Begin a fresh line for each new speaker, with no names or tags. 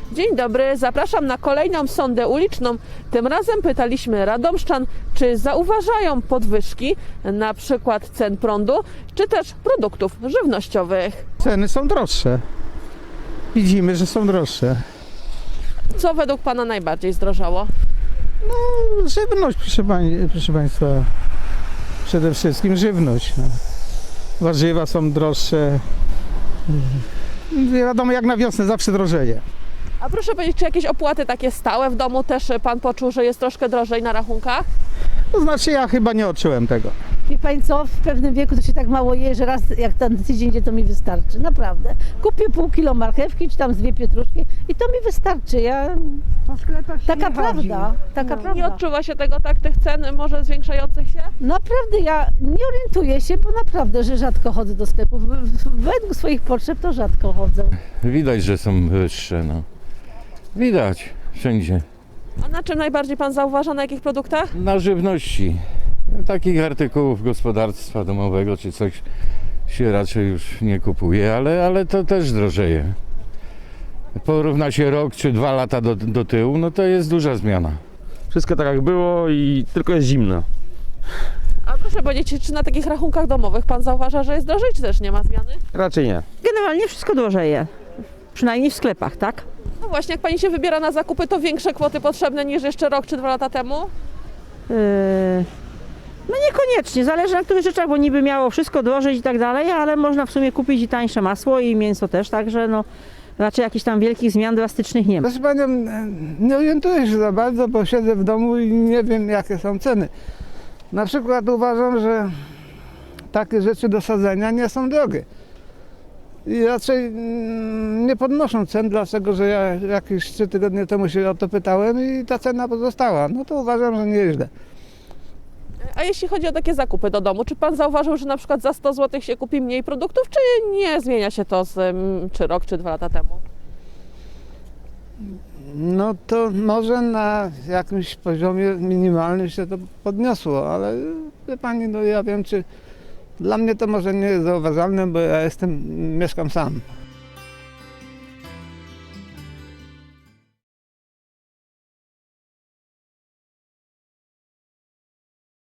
Dzień dobry, zapraszam na kolejną sondę uliczną. Tym razem pytaliśmy radomszczan, czy zauważają podwyżki, na przykład cen prądu, czy też produktów żywnościowych.
Ceny są droższe. Widzimy, że są droższe.
Co według Pana najbardziej zdrożało?
Żywność, proszę Państwa. Przede wszystkim żywność. No. Warzywa są droższe. Wiadomo, jak na wiosnę zawsze drożeje.
A proszę powiedzieć, czy jakieś opłaty takie stałe w domu też Pan poczuł, że jest troszkę drożej na rachunkach?
To znaczy, ja chyba nie odczułem tego.
Wie Pani co, w pewnym wieku to się tak mało je, że raz jak ten tydzień idzie, to mi wystarczy, naprawdę. Kupię pół kilo marchewki, czy tam z 2 pietruszki i to mi wystarczy.
Po sklepach się
Taka
nie chodzi.
prawda, taka
Nie
prawda.
odczuwa się tego tak, tych cen może zwiększających się?
Naprawdę ja nie orientuję się, bo naprawdę, że rzadko chodzę do sklepów. Według swoich potrzeb to rzadko chodzę.
Widać, że są wyższe, no. Widać wszędzie.
A na czym najbardziej Pan zauważa, na jakich produktach?
Na żywności. Takich artykułów gospodarstwa domowego czy coś się raczej już nie kupuje, ale to też drożeje. Porówna się rok czy 2 lata do tyłu, no to jest duża zmiana.
Wszystko tak jak było i tylko jest zimno.
A proszę powiedzieć, czy na takich rachunkach domowych Pan zauważa, że jest drożej, czy też nie ma zmiany?
Raczej nie.
Generalnie wszystko drożeje. Przynajmniej w sklepach, tak?
No właśnie, jak Pani się wybiera na zakupy, to większe kwoty potrzebne niż jeszcze rok czy 2 lata temu?
No niekoniecznie, zależy na których rzeczach, bo niby miało wszystko drożeć i tak dalej, ale można w sumie kupić i tańsze masło i mięso też, także no raczej jakichś tam wielkich zmian drastycznych nie ma.
Proszę Panią, nie orientuję się za bardzo, bo siedzę w domu i nie wiem, jakie są ceny. Na przykład uważam, że takie rzeczy do sadzenia nie są drogie. I raczej nie podnoszą cen, dlatego że ja jakieś 3 tygodnie temu się o to pytałem i ta cena pozostała. No to uważam, że nieźle.
A jeśli chodzi o takie zakupy do domu, czy Pan zauważył, że na przykład za 100 zł się kupi mniej produktów, czy nie zmienia się to czy rok, czy 2 lata temu?
No to może na jakimś poziomie minimalnym się to podniosło, ale wie Pani, no ja wiem, czy dla mnie to może nie jest zauważalne, bo ja mieszkam sam.